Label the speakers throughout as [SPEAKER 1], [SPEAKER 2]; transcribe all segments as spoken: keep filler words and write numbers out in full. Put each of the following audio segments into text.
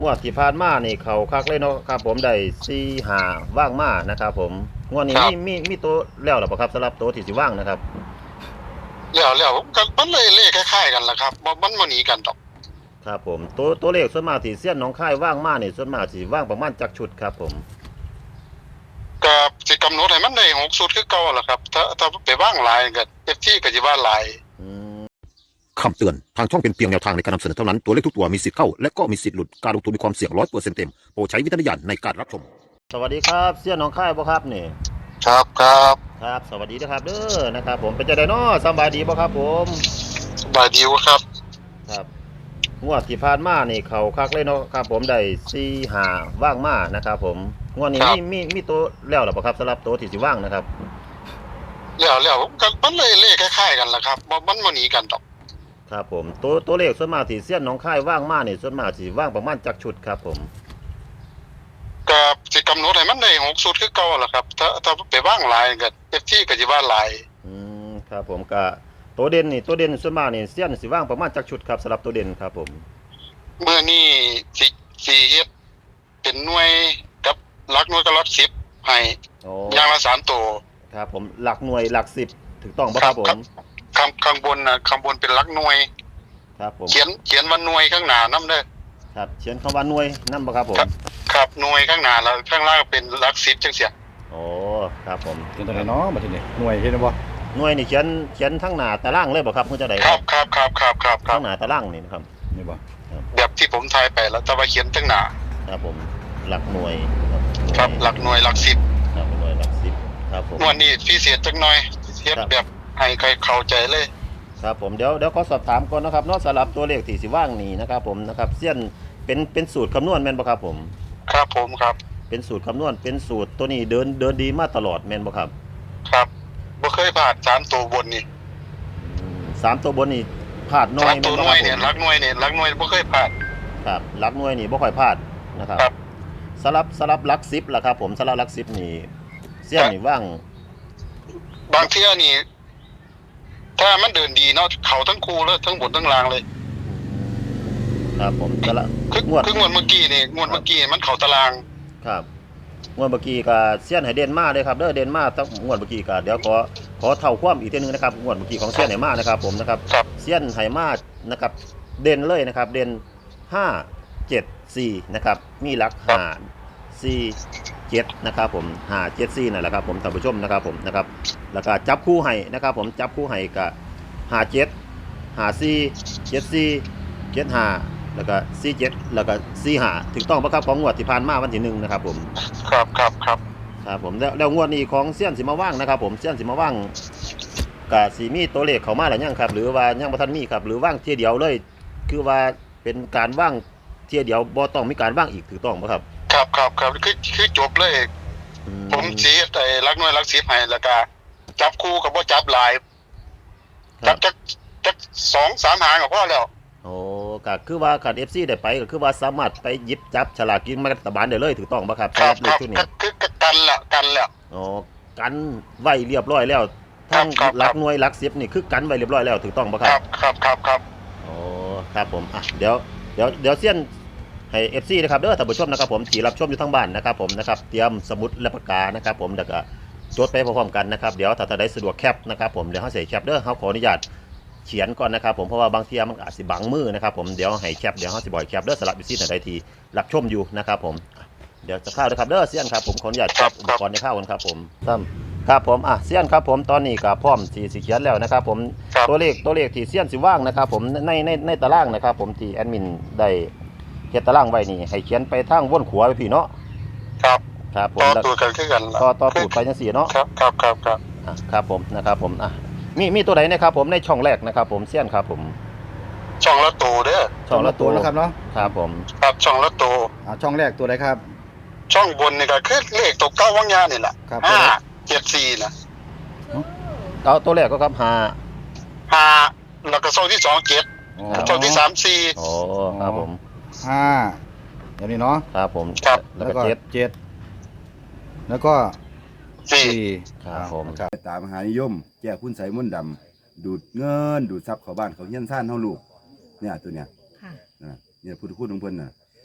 [SPEAKER 1] งวดที่ผ่านมานี่เขาคักเลยเนาะครับผมได้สี่ห้าว่างมานะครับผมงวดนี้
[SPEAKER 2] ครั
[SPEAKER 1] มี
[SPEAKER 2] บ
[SPEAKER 1] มีมีตัวแล้วหรือเปล่าครับสำหรับตัวที่สิว่างนะครับ
[SPEAKER 2] แล้วแล้วก็มันเลยเลขคล้ายๆกันล่ะครับบ่มันบ่หนีกันดอก
[SPEAKER 1] ครับผมตัวตัวเลขส่วนมากที่เสี้ยนหน้องค่ายว่างมานี่ส่วนมากสิว่างประมาณจักชุดครับผม
[SPEAKER 2] ก็สิกำหนดให้มันได้หกชุดคือเก่าล่ะครับถ้าถ้าไปวางหลายก็ เอฟ ซี ก็สิว่าหลาย
[SPEAKER 1] อืม
[SPEAKER 3] คำเตือน ทางช่องเป็นเพียงแนวทางในการนำเสนอเท่านั้น ตัวเลขทุกตัวมีสิทธิ์เข้า และก็มีสิทธิ์หลุด การลงทุนมีความเสี่ยงร้อยเปอร์เซ็นต์เต็ม โปรดใช้วิจารณญาณในการรับชม
[SPEAKER 1] สวัสดีครับเสี้ยนหน้องค่ายบ่ครับนี่
[SPEAKER 2] ครับครับ
[SPEAKER 1] ครับสวัสดีนะครับเด้อนะครับผมเป็นจังได๋น้อสำบายดีบ่ครับผม
[SPEAKER 2] สบายดีวะครับ
[SPEAKER 1] ครับงวดที่ผ่านมานี่เขาคักเลยเนาะครับผมได้สี่ห้าว่างมานะครับผมงวดนี้มีมีมีตัวแล้วหรือเปล่าครับสำหรับตัวที่สิว่างนะครับ
[SPEAKER 2] แล้วแล้วก็มันเลยเลขคล้ายๆกันล่ะครับบ่มันบ่หนีกันดอก
[SPEAKER 1] ครับผมตัวตัวเลขส่วนมากที่เสี้ยนหน้องค่ายว่างมานี่ส่วนมากสิว่างประมาณจักชุดครับผม
[SPEAKER 2] ก็สิกำหนดให้มันได้หกชุดคือเก่าล่ะครับถ้าถ้าไปวางหลายก็ เอฟ ซี ก็สิว่าหลาย
[SPEAKER 1] อืมครับผมก็ตัวเด่นนี่ตัวเด่นส่วนมากนี่เสี้ยนสิว่างประมาณจักชุดครับสำหรับตัวเด่นครับผม
[SPEAKER 2] มื้อนี้สิสิเฮ็ดเป็นหน่วยกับหลักหน่วยกับหลักสิบให้
[SPEAKER 1] โอ้
[SPEAKER 2] อย่างละสามตัว
[SPEAKER 1] ครับผมหลักหน่วยหลักสิบถูกต้องป่ะครับผม
[SPEAKER 2] ข้างข้างบนน่ะข้างบนเป็นหลักหน่วย
[SPEAKER 1] ครับผม
[SPEAKER 2] เขียนเขียนว่าหน่วยข้างหน้านำเด้อ
[SPEAKER 1] ครับเขียนคำว่าหน่วยนั่นป่ะครับผม
[SPEAKER 2] ครับครับหน่วยข้างหน้าแล้วข้างล่างเป็นหลักสิบจังซี่
[SPEAKER 1] โอ้ครับผม
[SPEAKER 4] เป็นตัวไหนเนาะมาทีนี้หน่วยเห็นบ่
[SPEAKER 1] หน่วยนี่เขียนเขียนทั้งหน้าตารางเลยบ่ครับเพื่อจะได้
[SPEAKER 2] ครับครับครับครับครับครั
[SPEAKER 1] ทั้
[SPEAKER 2] บ
[SPEAKER 1] งหน้าตารางนี่นะครับ
[SPEAKER 4] นี่บ่
[SPEAKER 2] แบบที่ผมทายไปแล้วแต่ว่าเขียนข้างหน้า
[SPEAKER 1] ครับผมหลักหน่วย
[SPEAKER 2] ครับหลักหน่วยหลักสิบ
[SPEAKER 1] ครับหน่วยหลักสิบครับผม
[SPEAKER 2] งวดนี้พิเศษจังหน่อยเฮ็ดแบบให้ใครเข้าใจเลย
[SPEAKER 1] ครับผมเดี๋ยวเดี๋ยวขอสอบถามก่อนนะครับเนาะสำหรับตัวเลขที่สิว่างนี่นะครับผมนะครับเสี้ยนเป็นเป็นสูตรคำนวณแม่นบ่ครับผม
[SPEAKER 2] ครับผมครับ
[SPEAKER 1] เป็นสูตรคำนวณเป็นสูตรตัวนี้เดินเดินดีมาตลอดแม่นบ่ครับ
[SPEAKER 2] ครับบ่เคยผ่านสามตัวบนนี่
[SPEAKER 1] อืมสามตัวบนนี่พลาดน้อ
[SPEAKER 2] สาย ม
[SPEAKER 1] แม่
[SPEAKER 2] ตั
[SPEAKER 1] น
[SPEAKER 2] ว
[SPEAKER 1] บ่
[SPEAKER 2] ห
[SPEAKER 1] ค
[SPEAKER 2] น่
[SPEAKER 1] รั
[SPEAKER 2] วย
[SPEAKER 1] บผ
[SPEAKER 2] เนี่ย
[SPEAKER 1] ม
[SPEAKER 2] หลักหน่วยเนี่ยหลักหน่วยบ่เคยผ่าน
[SPEAKER 1] ครับหลักหน่วยนี่บ่ค่อยพลาดนะครับ
[SPEAKER 2] ครับ
[SPEAKER 1] สลับสลับหลักสิบล่ะครับผมสลับหลักสิบนี่เสี้ยนนี่ว่าง
[SPEAKER 2] บางเที่ยนี่ถ้ามันเดินดีเนาะเข้าทั้งคู่เลยทั้งบนทั้งล่างเลย
[SPEAKER 1] ครับผมสลับ
[SPEAKER 2] คือง
[SPEAKER 1] วด
[SPEAKER 2] คืองวดเมื่อกี้นี่งวดเมื่อกี้มันเข้าตาราง
[SPEAKER 1] ครับงวดเมื่อกี้ก็เสี้ยนให้เด่นมาเลยครับเด้อเด่นมาตั้งงวดเมื่อกี้ก็เดี๋ยวขอขอเท่าความอีกทีนึงนะครับงวดเมื่อกี้ของเสี้ยนไหมานะครับผมนะครับ
[SPEAKER 2] ครับ
[SPEAKER 1] เสี้ยนไหมานะครับเด่นเลยนะครับเด่นห้าเจ็ดสี่นะครับมีหลักห้าสี่เจ็ดนะครับผมห้าเจ็ดสี่นั่นแหละครับผมท่านผู้ชมนะครับผมนะครับแล้วก็จับคู่ให้นะครับผมจับคู่ให้ก็ห้าเจ็ดห้าสี่เจ็ดสี่เจ็ดห้าแล้วก็สี่เจ็ดแล้วก็สี่ห้าถูกต้องปะครับของงวดที่ผ่านมาวันที่หนึ่งนะครับผม
[SPEAKER 2] ครับครับครับ
[SPEAKER 1] ครับผมแล้วแล้วงวดนี้ของเสี้ยนสิมาว่างนะครับผมเสี้ยนสิมาว่างกับสีมีตัวเลขเข้ามาหรือยังครับหรือว่ายังบ่ทันมีครับหรือว่างเที่ยเดียวเลย คือว่าเป็นการว่างเที่ยเดียวบ่ต้องมีการว่างอีกถูกต้องปะครับ
[SPEAKER 2] ครับครับครับคือคือจบเลย
[SPEAKER 1] อื
[SPEAKER 2] ผมสิเฮ็ดไอ้หลักหน่วยหลักสิบให้แล้วก็จับคู่กับบ่จับหลาย
[SPEAKER 1] ค
[SPEAKER 2] จั
[SPEAKER 1] รั
[SPEAKER 2] บบ จักจักสองสามหางก็พอแล้ว
[SPEAKER 1] โอ้ก็คือว่าคัน เอฟ ซี ได้ไปก็คือว่าสามารถไปหยิบจับฉลากกินแบ่งรัฐบาลได้เลยถูกต้องปะครับ
[SPEAKER 2] ครับ
[SPEAKER 1] สำห
[SPEAKER 2] ค
[SPEAKER 1] รับเล
[SPEAKER 2] รั
[SPEAKER 1] ข
[SPEAKER 2] บ
[SPEAKER 1] ชุด
[SPEAKER 2] ก็
[SPEAKER 1] นี้
[SPEAKER 2] คือก็กันละกันแล้ว
[SPEAKER 1] อ๋อกันไว้เรียบร้อยแล้วทั้ง
[SPEAKER 2] ครับ
[SPEAKER 1] หลั
[SPEAKER 2] ค
[SPEAKER 1] ก
[SPEAKER 2] รับ
[SPEAKER 1] หน่วยหลักสิบนี่คือกันไว้เรียบร้อยแล้วถูกต้องปะค
[SPEAKER 2] ค
[SPEAKER 1] รั
[SPEAKER 2] รับ บครับครับครับ
[SPEAKER 1] โอ้ครับผมอ่ะเดี๋ยวเดี๋ยวเดี๋ยวเสี้ยนให้ เอฟ ซี นะครับเด้อท่านผู้ชมนะครับผมที่รับชมอยู่ทั้งบ้านนะครับผมนะครับเตรียมสมุดและปากกานะครับผมแล้วก็จดไปพร้อมๆกันนะครับเดี๋ยวถ้าท่านใดสะดวกแคปนะครับผมเดี๋ยวเฮาใส่แคปเด้อเฮาขออนุญาตเขียนก่อนนะครับผมเพราะว่าบางทีมันอาจสิบังมือนะครับผมเดี๋ยวให้แคปเดี๋ยวเฮาสิบ่อยแคปเด้อสำหรับอยู่ที่ท่านใดที่รับชมอยู่นะครับผมเดี๋ยวจะเข้านะครับเด้อเสี้ยนครับผมขออนุญาตแคปอุปกรณ์ในเข้ากันครับผมครับครับผมอ่ะเสี้ยนครับผมตอนนี้ก็พร้อมที่สิเขียนแล้วนะครับผม
[SPEAKER 2] ครับ
[SPEAKER 1] ตัวเลขตัวเลขที่เสี้ยนสิว่างนะครับผมในในในตารางนะครับผมที่แอดมินได้เฮ็ดตารางไว้นี่ให้เขียนไปทางวนขวาไปพี่เนาะ
[SPEAKER 2] ครับ
[SPEAKER 1] ครับผม
[SPEAKER 2] ต่อ
[SPEAKER 1] แล้ว
[SPEAKER 2] ตัวกันคือกันล่ะ
[SPEAKER 1] ต่อต่อตูดไปจังซี่เนาะ
[SPEAKER 2] ครับครับครับครับ
[SPEAKER 1] อ่ะครับผมนะครับผมอ่ะมีมีตัวไหนนะครับผมในช่องแรกนะครับผมเสี้ยนครับผม
[SPEAKER 2] ช่องละตัวเด้อ
[SPEAKER 1] ช่องละตัว
[SPEAKER 4] นะครับเนาะ
[SPEAKER 1] ครับผม
[SPEAKER 2] ครับช่องละตัว
[SPEAKER 4] อ่าช่องแรกตัวไหนครับ
[SPEAKER 2] ช่องบนนี่ก็คือเลขตัวเก้าวังยานี่แหละ
[SPEAKER 4] ครับ
[SPEAKER 2] ห้าเจ็ดสี่นะ
[SPEAKER 1] เอาตัวแรกก็ครับห้า
[SPEAKER 2] ห้าแล้วก็ช่องที่สองเจ็ด
[SPEAKER 4] อ๋อ
[SPEAKER 2] ช่องที่สามสี่
[SPEAKER 1] โอ้ครับผม
[SPEAKER 4] ห้าเดี๋ยวนี้เนาะ
[SPEAKER 1] ครับผม
[SPEAKER 2] ครับ
[SPEAKER 1] แล้ว
[SPEAKER 4] แล้ว
[SPEAKER 1] ก็
[SPEAKER 4] ก็
[SPEAKER 1] เจ็ด
[SPEAKER 4] เจ็ดแล้วก็
[SPEAKER 2] สี่
[SPEAKER 4] สี่
[SPEAKER 1] ครับผม
[SPEAKER 4] ครับ
[SPEAKER 5] ตามหานิยมแก้คุณใสมนต์ดำดูดเงินดูดทรัพย์เข้าบ้านเขาเฮี้ยนซ่านเฮาลูกเนี่ยตัวเนี้ย
[SPEAKER 6] ค่ะ
[SPEAKER 5] นะเนี่ยพุทธคุณของเพิ่นน่ะ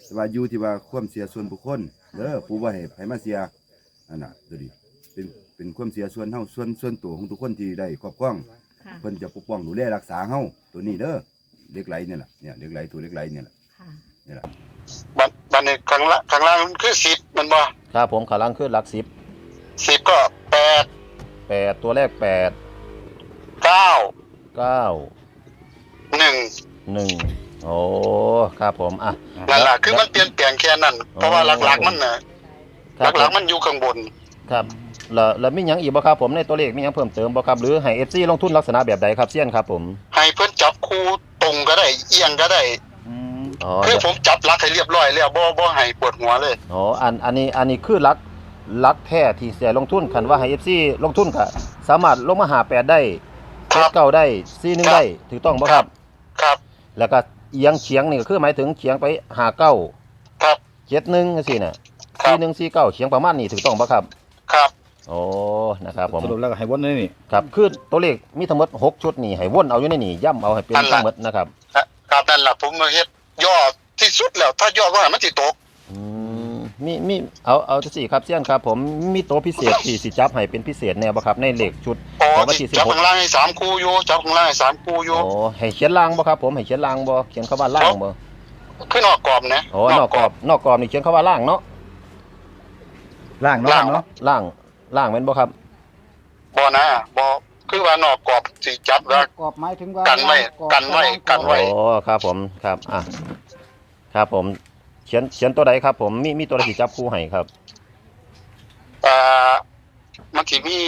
[SPEAKER 5] แต่ว่าอยู่ที่ว่าความเสียส่วนบุคคลเด้อปู่บ่ให้ให้มาเสียอันน่ะดูดิเป็นเป็นความเสียส่วนเฮาส่วนส่วนตัวของทุกคนที่ได้ครอบครอง
[SPEAKER 6] ค่ะ
[SPEAKER 5] เพิ่นจะปกป้องดูแลรักษาเฮาตัวนี้เด้อเหล็กไหลเนี่ยล่ะเนี่ยเหล็กไหลตัวเหล็กไหลเนี่ยล่ะ
[SPEAKER 6] ค่ะ
[SPEAKER 5] นี่ล่ะ
[SPEAKER 2] บัดบัดนี้ข้างล่างข้างล่างมันคือสิบมันบ่
[SPEAKER 1] ครับผมขาลังขึ้นหลักสิบ
[SPEAKER 2] สิบก็แปด
[SPEAKER 1] แปดตัวแรกแปด
[SPEAKER 2] เก้า
[SPEAKER 1] เก้า
[SPEAKER 2] หนึ่ง
[SPEAKER 1] หนึ่งโอ้ครับผมอ่ะ
[SPEAKER 2] นั่นล่ะคือมันเปลี่ยนแปลงแค่นั้นเพราะว่าหลักๆมันน่ะ
[SPEAKER 1] ครับ
[SPEAKER 2] หลักๆมันอยู่ข้างบน
[SPEAKER 1] ครับแล้วแล้วมีหยังอีกบ่ครับผมในตัวเลขมีหยังเพิ่มเติมบ่ครับหรือให้ เอฟ ซี ลงทุนลักษณะแบบใดครับเซียนครับผม
[SPEAKER 2] ให้เพิ่นจับคู่ตรงก็ได้เอียงก็ได้
[SPEAKER 4] อืม
[SPEAKER 1] อ๋อ
[SPEAKER 2] คือผมจับหลักให้เรียบร้อยแล้วบ่บ่ให้ปวดหัวเลย
[SPEAKER 1] อ๋ออันอันนี้อันนี้คือหลักหลักแท้ที่เสียลงทุนคันว่าให้ เอฟ ซี ลงทุนก็สามารถลงมาหาแปดได้
[SPEAKER 2] ครับ
[SPEAKER 1] เก้าได้สี่หนึ่งได้ถูกต้องบ่ครับ
[SPEAKER 2] ครับ
[SPEAKER 1] แล้วก็เอียงเฉียงนี่ก็คือหมายถึงเฉียงไปหาเก้า
[SPEAKER 2] ครับ
[SPEAKER 1] เจ็ดหนึ่งจังซี่น่ะ
[SPEAKER 2] ครับ
[SPEAKER 1] สี่หนึ่งสี่เก้าเฉียงประมาณนี้ถูกต้องบ่ครับ
[SPEAKER 2] ครับ
[SPEAKER 1] โอ้นะครับผม
[SPEAKER 4] สรุปแล้วก็ให้วนเลยนี่
[SPEAKER 1] ครับคือตัวเลขมีทั้งหมดหกชุดนี่ให้วนเอาอยู่ในนี่ย่ำเอาให้เป็นทั้งหมดนะครับ
[SPEAKER 2] ครับนั่นล่ะผมมาเฮ็ดยอดที่สุดแล้วถ้ายอดว่ามันสิตก
[SPEAKER 1] อืมมีมีเอาเอาจังซี่ครับเซียนครับผมมีตัวพิเศษที่สิจับให้เป็นพิเศษแน่บ่ครับในเลขชุด
[SPEAKER 2] โอ้
[SPEAKER 1] ของวัน
[SPEAKER 2] ที่
[SPEAKER 1] ที่สิบ
[SPEAKER 2] จับ
[SPEAKER 1] หก
[SPEAKER 2] ข้างล่างให้สามคู่อยู่จับข้างล่างให้สามคู่อยู่
[SPEAKER 1] โอ้ให้เขียนล่างบ่ครับผมให้เขียนล่างบ่เขียนคำว่าล่างบ่
[SPEAKER 2] คือนอกกรอบนะ
[SPEAKER 1] โอ้นอกกรอบนอกกรอบนี่เขียนคำว่าล่างเนาะ
[SPEAKER 4] ล่างเนาะครับเนาะ
[SPEAKER 1] ล่างล่างแม่นบ่ครับ
[SPEAKER 2] บ่นะบ่คือว่านอกกรอบสิจับแล้ว
[SPEAKER 7] กรอบหมายถึงว่า
[SPEAKER 2] กันไว้
[SPEAKER 7] กรอบ
[SPEAKER 2] กันไว้กันไว้
[SPEAKER 1] โอ้ครับผมครับอ่ะครับผมเขียนเขียนตัวใดครับผมมีมีตัวใดที่จับคู่ให้ครับ
[SPEAKER 2] อ่ามันสิมี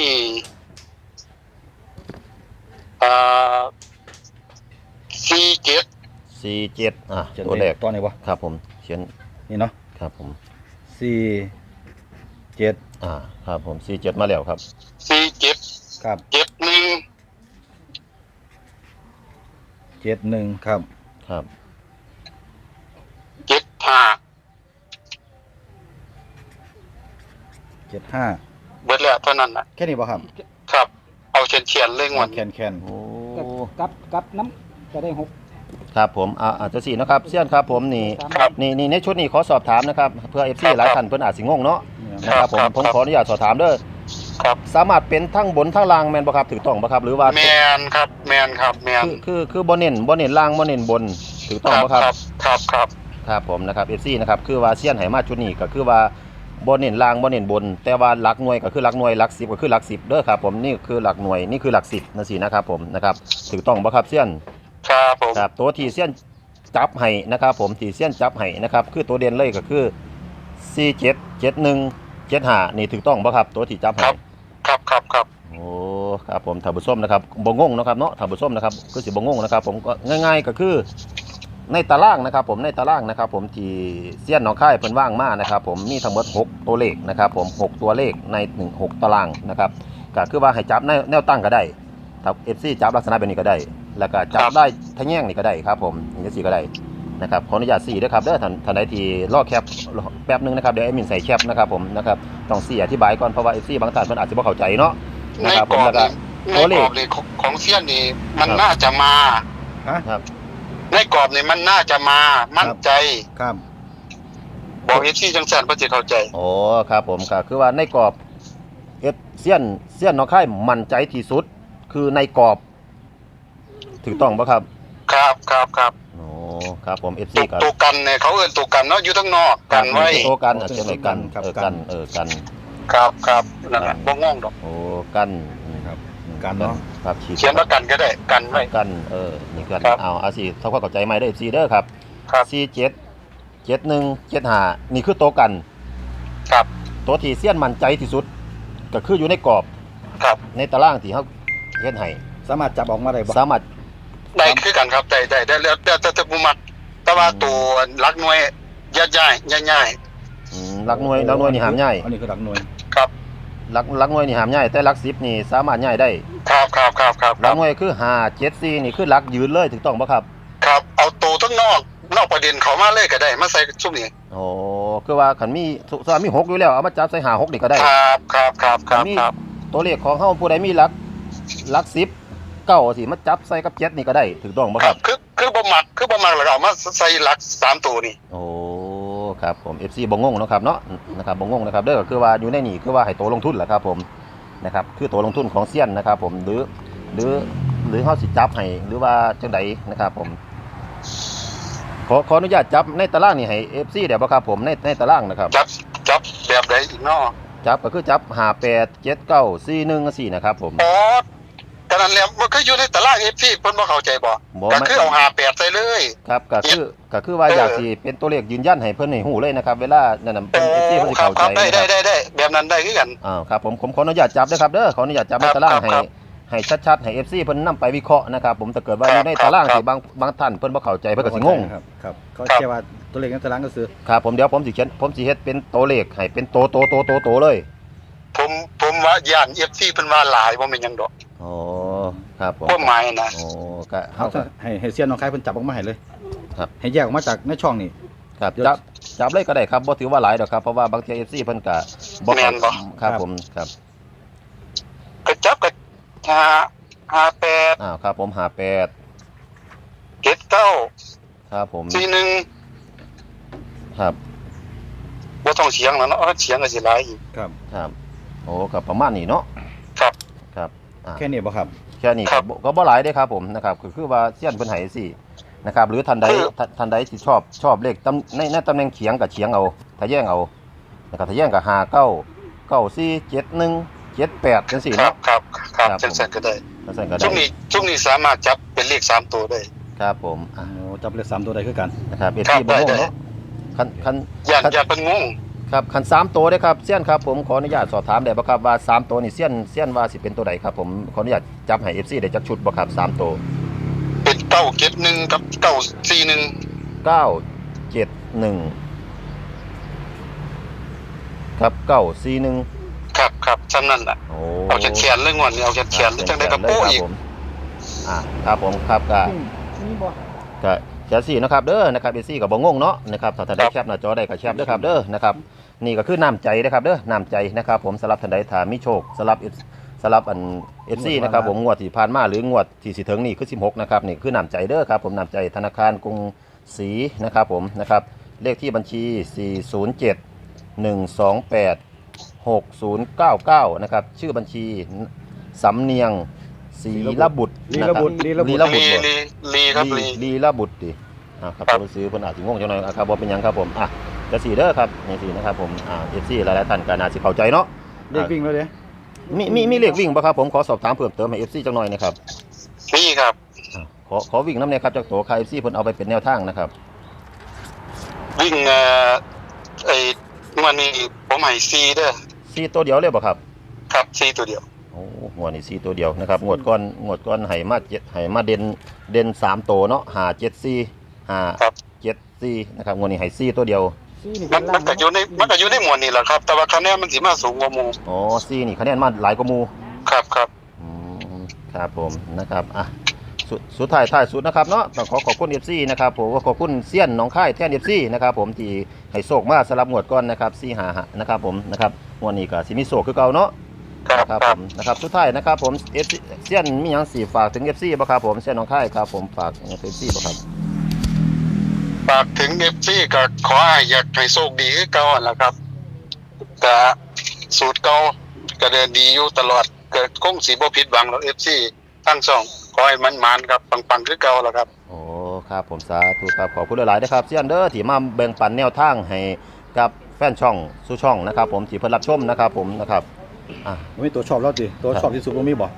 [SPEAKER 2] อ่าสี่เจ็ด
[SPEAKER 1] สี่เจ็ดอ่ะ
[SPEAKER 4] เขียน
[SPEAKER 1] ตัวแรก
[SPEAKER 4] ตอนไหนวะ
[SPEAKER 1] ครับผมเขียน
[SPEAKER 4] นี่เนาะ
[SPEAKER 1] ครับผม
[SPEAKER 4] สี่เจ็ด
[SPEAKER 1] อ่าครับผมสี่เจ็ดมาแล้วครับ
[SPEAKER 2] สี่เจ็ด
[SPEAKER 4] ครับ
[SPEAKER 2] เจ็ดหนึ่ง
[SPEAKER 4] เจ็ดหนึ่งครับ
[SPEAKER 1] ครับ
[SPEAKER 2] เจ็ดห้า
[SPEAKER 4] เจ็ดห้า
[SPEAKER 2] เบิดแล้วเท่านั้นน่ะ
[SPEAKER 4] แค่นี้ป่ะครับ
[SPEAKER 2] ครับ เอาเฉียนเฉียนๆเลยงวด
[SPEAKER 4] แคนแคน
[SPEAKER 1] โอ้
[SPEAKER 7] กับกับน้ำจะได้หก
[SPEAKER 1] ครับผมอ่าอาจจะสี่นะครับเซียนครับผมนี่
[SPEAKER 2] ครับ
[SPEAKER 1] นี่นี่ในชุดนี้ขอสอบถามนะครับเพื่อ เอฟ ซี
[SPEAKER 2] ครับ
[SPEAKER 1] หลายท่านเพิ่นอาจสิงงเนาะนะครับผม
[SPEAKER 2] ครับ
[SPEAKER 1] ผม
[SPEAKER 2] ครับ
[SPEAKER 1] ขออนุญาตสอบถามเด้อ
[SPEAKER 2] ครับ
[SPEAKER 1] สามารถเป็นทั้งบนทั้งล่างแม่นบ่ครับถูกต้องบ่ครับหรือว่า
[SPEAKER 2] แมนครับ แมนครับ แมน
[SPEAKER 1] คือคือคือบ่เน้นบ่เน้นล่างบ่เน้นบนถูกต้องบ่ครับ
[SPEAKER 2] ครับครับ
[SPEAKER 1] ครับผมนะครับ เอฟ ซี นะครับคือว่าเซียนไหมาชุดนี้ก็คือว่าบ่เน้นล่างบ่เน้นบน แต่ว่าหลักหน่วยก็คือหลักหน่วยหลักสิบก็คือหลักสิบเด้อครับผมนี่คือหลักหน่วยนี่คือหลักสิบนั่นสินะครับผมนะครับถูกต้องบ่ครับเซียน
[SPEAKER 2] ครับผม
[SPEAKER 1] ครับตัวที่เซียนจับให้นะครับผมที่เซียนจับให้นะครับคือตัวเด่นเลยก็คือสี่เจ็ด เจ็ดหนึ่ง เจ็ดห้านี่ถูกต้องบ่ครับตัวที่จับให้
[SPEAKER 2] ครับครับครับ
[SPEAKER 1] โอ้ครับผมท่านผู้ชมนะครับบ่งงนะครับเนาะท่านผู้ชมนะครับคือสิบ่งงนะครับผมก็ง่าย ๆก็คือในตารางนะครับผมในตารางนะครับผมที่เซียนหนองคายเพิ่นว่างมานะครับผมมีทั้งหมดหกตัวเลขนะครับผมหกตัวเลขในหนึ่ง หกตารางนะครับก็คือว่าให้จับแนวแนวตั้งก็ได้ถ้า เอฟ ซี จับลักษณะแบบนี้ก็ได้ แล้วก็จับได้ทะแยงนี่ก็ได้ครับผมอย่างนี้สิก็ได้นะครับขออนุญาตสี่ด้วยครับเด้อท่านท่านใดที่รอแคปแป๊บนึงนะครับเดี๋ยวแอดมินใส่แคปนะครับผมนะครับต้องสี่อธิบายก่อนเพราะว่า เอฟ ซี บางท่านเพิ่นอาจจะบ่เข้าใจเนาะ
[SPEAKER 2] ใน
[SPEAKER 1] นะครับ
[SPEAKER 2] ก
[SPEAKER 1] ผ
[SPEAKER 2] ร
[SPEAKER 1] ม
[SPEAKER 2] อบ
[SPEAKER 1] แล้วก็
[SPEAKER 2] นี่
[SPEAKER 1] ตัว
[SPEAKER 2] ใน
[SPEAKER 1] เล
[SPEAKER 2] กร
[SPEAKER 1] ข
[SPEAKER 2] อบนี่ของของเซียนนี่มัน
[SPEAKER 1] ครับ
[SPEAKER 2] น่าจะมา
[SPEAKER 4] ฮะ
[SPEAKER 1] ครับ
[SPEAKER 2] ในกรอบนี่มันน่าจะมามั่นใจ
[SPEAKER 4] ครับ
[SPEAKER 2] บอกเอฟซีจังสันเพื่อจะเข้าใจ
[SPEAKER 1] โอ้ครับผมก็คือว่าในกรอบเอฟเซียนเซียนหนองคายมั่นใจที่สุดคือในกรอบถูกต้องป่ะครับ
[SPEAKER 2] ครับครับครับ
[SPEAKER 1] โอ้ครับผม เอฟ
[SPEAKER 2] ตั
[SPEAKER 1] ซี
[SPEAKER 2] ว
[SPEAKER 1] ครับ
[SPEAKER 2] ตัวกันเนี่ยเขาเอื่นตัวกันเนาะอยู่ทั้งนอกกันไว้
[SPEAKER 1] โตกันอาจจะไม่กันเออกันเออกัน
[SPEAKER 2] ครับครับนั่นแหละบ่งงดอก
[SPEAKER 1] โอ้กัน
[SPEAKER 4] ครับ กันเนาะ
[SPEAKER 1] ครับขีด
[SPEAKER 2] เขียนว่ากันก็ได้กันไว้
[SPEAKER 1] กันเออนี่กัน
[SPEAKER 2] ครับ
[SPEAKER 1] เอาเอาสิเท่าความเข้าใจไหมได้เอฟซีเด้อครับ
[SPEAKER 2] ครับ
[SPEAKER 1] สี่เจ็ด เจ็ดหนึ่ง เจ็ดห้านี่คือโตกัน
[SPEAKER 2] ครับ
[SPEAKER 1] ตัวที่เซียนมั่นใจที่สุด ก็คืออยู่ในกรอบ
[SPEAKER 2] ครับ
[SPEAKER 1] ในตารางที่เขาเฮ็ดให้
[SPEAKER 4] สามารถจับออกมาได้บ่
[SPEAKER 1] สามารถ
[SPEAKER 2] ได้คือกันครับได้ได้ได้แล้วแต่แต่แต่ผู้มักแต่ว่าตัวรักหน่วยย่าย่ายย่าย่าย
[SPEAKER 1] อืมหลักหน่วยหลักหน่วยนี่หามง่าย
[SPEAKER 4] อันนี้คือหลักหน่วย
[SPEAKER 2] ครับ
[SPEAKER 1] หลักหลักหน่วยนี่หามง่ายแต่หลักสิบนี่สามารถง่ายได้
[SPEAKER 2] ครับครับครับครับ
[SPEAKER 1] หลักหน่วยคือห้า เจ็ด สี่นี่คือหลักยืนเลยถูกต้องป่ะครับ
[SPEAKER 2] ครับเอาตัวทั้งนอกนอกประเด็นเขามาเลยก็ได้มาใส่ช่วงนี้
[SPEAKER 1] โอ้คือว่าขันมีถ้ามีหกอยู่แล้วเอามาจับใส่หาหกนี่ก็ได้
[SPEAKER 2] ครับครับครับค
[SPEAKER 1] ขัน
[SPEAKER 2] รับ
[SPEAKER 1] มี
[SPEAKER 2] ครับ
[SPEAKER 1] ตัวเลขของเฮาผู้ใดมีหลักหลักสิบเก้าสิมาจับใส่กับเจ็ดนี่ก็ได้ถูกต้องป่ะ
[SPEAKER 2] ค
[SPEAKER 1] ค
[SPEAKER 2] รั
[SPEAKER 1] รั
[SPEAKER 2] บบ คือคือบ่มักคือบ่มักแล้วก็เอามาใส่หลักสามตัวนี่
[SPEAKER 1] โอ้ครับผม เอฟ ซี บ่งงเนาะครับเนาะนะครับบ่งงนะครับเด้อก็คือว่าอยู่ในนี่คือว่าให้โตลงทุนแหละครับผมนะครับคือโตลงทุนของเซียนนะครับผมหรือหรือหรือเฮาสิจับให้หรือว่าจังใดนะครับผมขอขออนุญาตจับในตารางนี่ให้ เอฟ ซี ได้บ่ครับผมในในตารางนะครับ
[SPEAKER 2] จับจับแบบใดอีกเนาะ
[SPEAKER 1] จับก็คือจับห้า แปด เจ็ด เก้า สี่ หนึ่ง สี่นะครับผม
[SPEAKER 2] อ๋อก็นั่นแหละมันก็อยู่ในตาราง เอฟ ซี เพิ่นบ่เข้าใจบ่
[SPEAKER 1] บ่
[SPEAKER 2] ก็
[SPEAKER 1] ไม่
[SPEAKER 2] คือเอาห้าแปดใส่เลย
[SPEAKER 1] ครับก็คือก็คือว่า
[SPEAKER 2] เออ
[SPEAKER 1] อยากสิเป็นตัวเลขยืนยันให้เพิ่นให้ฮู้เลยนะครับเวลานั่นน่ะ
[SPEAKER 2] โอ้
[SPEAKER 1] เพิ่น เอฟ ซี เพิ่นสิ
[SPEAKER 2] ครั
[SPEAKER 1] เข้า
[SPEAKER 2] บ
[SPEAKER 1] ใจ
[SPEAKER 2] ครับได้
[SPEAKER 1] นะค
[SPEAKER 2] ได้
[SPEAKER 1] รับ
[SPEAKER 2] ได้ได้แบบนั้นได้คือกัน
[SPEAKER 1] อ้าวครับผมผมขออนุญาตจับด้วยครับเด้อขออนุญาตจับใน
[SPEAKER 2] ครับ
[SPEAKER 1] ตาราง
[SPEAKER 2] ครับ
[SPEAKER 1] ให้
[SPEAKER 2] ครับ
[SPEAKER 1] ให้ชัดๆให้ เอฟ ซี เพิ่นนำไปวิเคราะห์นะครับผมถ้าเกิดว่า
[SPEAKER 2] ค
[SPEAKER 1] อ
[SPEAKER 2] รับ
[SPEAKER 1] ยู่ในตาราง
[SPEAKER 2] ครับ
[SPEAKER 1] ที่บางบางท่านเพิ่นบ่เข้าใจเพิ่นก็สิงง
[SPEAKER 4] ครับครับก็
[SPEAKER 2] ครับ
[SPEAKER 4] แค่ว่าตัวเลขในตารางก็คือ
[SPEAKER 1] ครับผมเดี๋ยวผมสิเขียนผมสิเฮ็ดเป็นตัวเลขให้เป็นโตโตโตโตโตเลย
[SPEAKER 2] ผมผมว่าย่าน เอฟ ซี เพิ่นว่าหลายบ่แม่นหยังดอก
[SPEAKER 1] อ๋อครับผม
[SPEAKER 2] ความหมายนะ
[SPEAKER 1] โอ้ก็
[SPEAKER 4] เอา
[SPEAKER 1] เฮาก็
[SPEAKER 4] ให้ให้เซียนน้องคายเพิ่นจับออกมาให้เลย
[SPEAKER 1] ครับ
[SPEAKER 4] ให้แยกออกมาจากในช่องนี่
[SPEAKER 1] ครับจับจับเลยก็ได้ครับบ่ถือว่าหลายดอกครับเพราะว่าบางที เอฟ ซี เพิ่นก็บ่
[SPEAKER 2] แม่นบ่
[SPEAKER 1] ครับผมครับ
[SPEAKER 2] ก็จับก็ห้า ห้าแปด
[SPEAKER 1] อ้าวครับผมห้า แปด
[SPEAKER 2] เจ็ดเก้า
[SPEAKER 1] ครับผม
[SPEAKER 2] สี่หนึ่ง
[SPEAKER 1] ครับ
[SPEAKER 2] บ่ต้องเสียงแล้วเนาะเสียงก็สิหลายอีก
[SPEAKER 4] ครับ
[SPEAKER 1] ครับโอ้ก็ประมาณนี้เนาะ
[SPEAKER 2] ครับ
[SPEAKER 1] ครับอ่า
[SPEAKER 4] แค่นี้บ่ครับ
[SPEAKER 1] แค่นี้
[SPEAKER 2] ค
[SPEAKER 1] ก็
[SPEAKER 2] รับ
[SPEAKER 1] บ่ก็บ่หลายเด้ครับผมนะครับคือคือว่าเสี้ยนเพิ่นให้สินะครับหรือท่านใด
[SPEAKER 2] คือ
[SPEAKER 1] ท่านท่านใดที่ชอบชอบเลขตำในในตำแหน่งเฉียงกับเฉียงเอาถ้าแย่งเอานะครับถ้าแย่งก็ห้า เก้า เก้า สี่ เจ็ด หนึ่ง เจ็ด แปดจังซี่
[SPEAKER 2] ครั
[SPEAKER 1] เนาะ
[SPEAKER 2] บครับครับ
[SPEAKER 1] ครับ
[SPEAKER 2] จังซั่นก็ได้
[SPEAKER 1] จังซั่นก็
[SPEAKER 2] ช่
[SPEAKER 1] ได้
[SPEAKER 2] วงนี้ช่วงนี้สามารถจับเป็นเลขสามตัวได้
[SPEAKER 1] ครับผมอ่ะ
[SPEAKER 4] โอ้จับเลขสามตัวได้คือกัน
[SPEAKER 1] นะครับเอ
[SPEAKER 2] ครับ
[SPEAKER 1] ทีบ่งง
[SPEAKER 2] ได้
[SPEAKER 1] เนาะคันคัน
[SPEAKER 2] ย่าน
[SPEAKER 1] คัน
[SPEAKER 2] ย่านเพิ่นงง
[SPEAKER 1] ครับคันสามตัวเด้อครับเสี้ยนครับผมขออนุญาตสอบถามได้บ่ครับว่าสามตัวนี่เสี้ยนเสี้ยนว่าสิเป็นตัวใดครับผมขออนุญาตจับให้ เอฟ ซี ได้จักชุดบ่ครับสามตัว
[SPEAKER 2] เป็นเก้าเจ็ดหนึ่งกับเก้าสี่หนึ่ง
[SPEAKER 1] เก้า เจ็ด หนึ่งครับเก้า สี่ หนึ่ง
[SPEAKER 2] ครับครับซ้ำนั่นล่ะ
[SPEAKER 1] โอ้
[SPEAKER 2] เอาแขนๆเลยงวดนี้เอาแขนๆเลยจังได๋ก็โป้อีก
[SPEAKER 1] อ่าครับผมครับก็
[SPEAKER 7] นี่บ่
[SPEAKER 1] ก็แชร์สี่นะครับเด้อนะครับเอซี่กับบ่งงเนาะนะครับถ้าท่านใดแคปหน้าจอได้ก็แคปเด้อครับเด้อนะครับนี่ก็คือน้ำใจนะครับเด้อน้ำใจนะครับผมสำหรับท่านใดถ้ามีโชคสำหรับ F สำหรับอัน เอฟ ซี นะครับผมงวดที่ผ่านมาหรืองวดที่สิถึงนี่คือสิบหกนะครับนี่คือน้ำใจเด้อครับผมน้ำใจธนาคารกรุงศรีนะครับผมนะครับเลขที่บัญชี สี่ ศูนย์ เจ็ด หนึ่ง สอง แปด หก ศูนย์ เก้า เก้านะครับชื่อบัญชีสำเนียงศรีระบุตร
[SPEAKER 4] ลี
[SPEAKER 1] นะ
[SPEAKER 4] ระ
[SPEAKER 1] ครับ
[SPEAKER 4] บุตรลีระบุ
[SPEAKER 1] ลี
[SPEAKER 4] ตร
[SPEAKER 1] ระบุ
[SPEAKER 2] ลี
[SPEAKER 1] ตรบ่
[SPEAKER 2] ลีลีครับลี
[SPEAKER 1] ลีระบุตรดิอ่าครับ
[SPEAKER 2] ครับ
[SPEAKER 1] ตัวซื้อเพิ่นอาจสิงงจังหน่อยอ่ะครับบ่เป็นหยังครับผมอ่ะจะสี่เด้อครับนี่สี่นะครับผมอ่า เอฟ ซี หลายๆท่านก็น่าสิเข้าใจเนาะ
[SPEAKER 4] เลขวิ่งแล้วเด้
[SPEAKER 1] มีมีมีเลขวิ่งบ่ครับผมขอสอบถามเพิ่มเติมให้ เอฟ ซี จังหน่อยนะครับ
[SPEAKER 2] มีครับ
[SPEAKER 1] อ่าขอขอวิ่งนำเนี่ยครับจากตัวค่า เอฟ ซี เพิ่นเอาไปเป็นแนวทางนะครับ
[SPEAKER 2] วิ่งเอ่อไอ้งวดนี้ผมให้สี่เด้อ
[SPEAKER 1] สี่ตัวเดียวเลยบ่ครับ
[SPEAKER 2] ครับสี่ตัวเดียว
[SPEAKER 1] โอ้งวดนี้สี่ตัวเดียวนะครับงวดก่อนงวดก่อนให้มาเจ็ดให้มาเด่นเด่นสามตัวเนาะห้า เจ็ด สี่ ห้า
[SPEAKER 2] ครับ
[SPEAKER 1] เจ็ด สี่นะครับงวดนี้ให้สี่ตัวเดียว
[SPEAKER 7] ซี่นี่
[SPEAKER 2] มั
[SPEAKER 7] เป็น น
[SPEAKER 2] มันก็อยู่ในมันก็อยู่ในหมวดนี้แหละครับ แต่ว่าคะแนนมันสิมาสูงกว่าหมู่
[SPEAKER 1] อ๋อสี่นี่คะแนนมาหลายกว่าหมู่
[SPEAKER 2] ครับครับ
[SPEAKER 1] อืมครับผมนะครับอ่ะสุดสุดท้ายท้ายสุดนะครับเนาะต้องขอขอบคุณ เอฟ ซี นะครับผมขอบคุณเซียนหนองค่ายแท่น เอฟ ซี นะครับผมที่ให้โศกมาสลับงวดก่อนนะครับสี่หาหานะครับผมนะครับงวดนี้ก็สิมีโศกคือเก่าเนาะ
[SPEAKER 2] ครับ
[SPEAKER 1] นะครับ
[SPEAKER 2] ค
[SPEAKER 1] ผ
[SPEAKER 2] รับ
[SPEAKER 1] มนะครับสุดท้ายนะครับผม เอฟ ซี เซียนมีหยังสิฝากถึง เอฟ ซี บ่ครับผมเซียนหนองค่ายครับผมฝากถึง เอฟ ซี บ่ครับ
[SPEAKER 2] ฝากถึง เอฟ ซี ก็ขอให้อยากให้โชคดีคือเก่าหั่นล่ะครับก็สูตรเก่าก็เดินดีอยู่ตลอดก็คงสิบ่ผิดหวังหรอก เอฟ ซี ทั้งสองขอให้มันมานครับปังๆคือเก่าล่ะครับ
[SPEAKER 1] โอ้ครับผมสาธุครับขอบคุณหลายๆนะครับเซียนเด้อที่มาแบ่งปันแนวทางให้กับแฟนช่องสู่ช่องนะครับผมที่เพิ่นรับชมนะครับผมนะครับอ่ะ
[SPEAKER 4] บ่มีตัวชอบแล้วสิตัวชอบที่สุดบ่มีบ่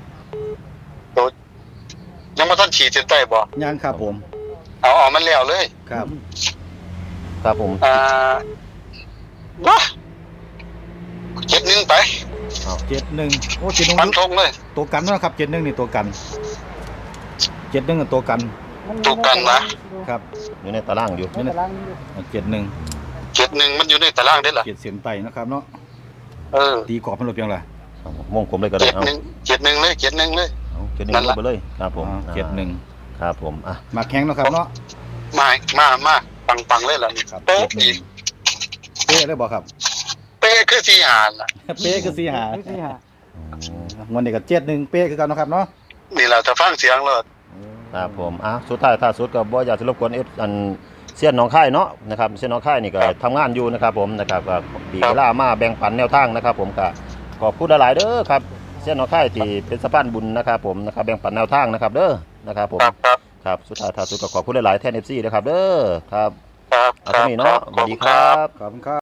[SPEAKER 2] ยังบ่ทันฉีดเส้นใต้บ่
[SPEAKER 4] ยังครับผม
[SPEAKER 2] เอาเอามันแล้วเลย
[SPEAKER 4] ครับ
[SPEAKER 1] ครับผม
[SPEAKER 2] อ่าว้าเจ็ดหนึ่งไป
[SPEAKER 4] เจ็ดหนึ่งโอ้เจ็ดหนึ่ง
[SPEAKER 2] ฟันธงเลย
[SPEAKER 4] ตัวกันนะครับเจ็ดหนึ่งนี่ตัวกันเจ็ดหนึ่งกับตัวกัน
[SPEAKER 2] ถูกกันนะ
[SPEAKER 4] ครับ
[SPEAKER 1] อยู่ในตารางอยู่
[SPEAKER 7] ในตารางนี้
[SPEAKER 4] เจ็ดหนึ่ง
[SPEAKER 2] เจ็ดหนึ่งมันอยู่ในตารางได้ล่ะ
[SPEAKER 4] เจ็ดเสียนไตนะครับเนาะ
[SPEAKER 2] เออ
[SPEAKER 4] ตีกรอบมันหลบยังไง
[SPEAKER 1] ครับผมวงกลมเลยก็ได้
[SPEAKER 2] เจ็ด
[SPEAKER 1] เอา
[SPEAKER 2] หนึ่งเจ็ดหนึ่งเลยเจ็ดหนึ่งเลย
[SPEAKER 1] เอาเจ็ดหนึ่ง
[SPEAKER 2] นั่น
[SPEAKER 1] ล
[SPEAKER 2] ล่ะ
[SPEAKER 1] งไปเลยครับผม
[SPEAKER 4] เจ็ดหนึ่ง
[SPEAKER 1] ครับผมอ่ะ
[SPEAKER 4] มาแข่งเนาะครับเนาะ
[SPEAKER 2] มามามาปังปังๆเลยล่ะนี่
[SPEAKER 4] ครับ
[SPEAKER 2] โป๊ะ
[SPEAKER 4] เจ็ดหนึ่
[SPEAKER 2] อี
[SPEAKER 4] ง
[SPEAKER 2] ก
[SPEAKER 4] เป๊ะเลยบอกครับ
[SPEAKER 2] เป๊ะคือสี่หานล่ะ
[SPEAKER 4] เป๊ะคือสี่หา
[SPEAKER 7] ซี่หา
[SPEAKER 4] วันนี้ก็เจ็ดหนึ่งเป๊ะคือกันเนาะครับเนาะ
[SPEAKER 2] นี่แหละถ้าฟังเสียงเลย
[SPEAKER 1] ครับผมอ่ะสุดท้ายถ้าสุดก็บ่อยากจะรบกวนเอฟอันเสี้ยนหนองค่ายเนาะนะครับเสี้ยนหนองค่ายนี่ก็ทำงานอยู่นะครับผมนะครับก็ปีเวลามาแบ่งปันแนวทางนะครับผมก็ขอบคุณหลายๆเด้อครับเสี้ยนหนองค่ายที่เป็นสะพานบุญนะครับผมนะครับแบ่งปันแนวทางนะครับเด้อนะครับผม
[SPEAKER 2] ครับครับ
[SPEAKER 1] ครับสุดท้ายท้ายสุดก็ขอบคุณหลายๆแทน เอฟ ซี นะครับเด้อครับ
[SPEAKER 2] ครับ
[SPEAKER 1] เอาเท่านี้เนาะสวัสดีครับ
[SPEAKER 4] ขอบคุณครับ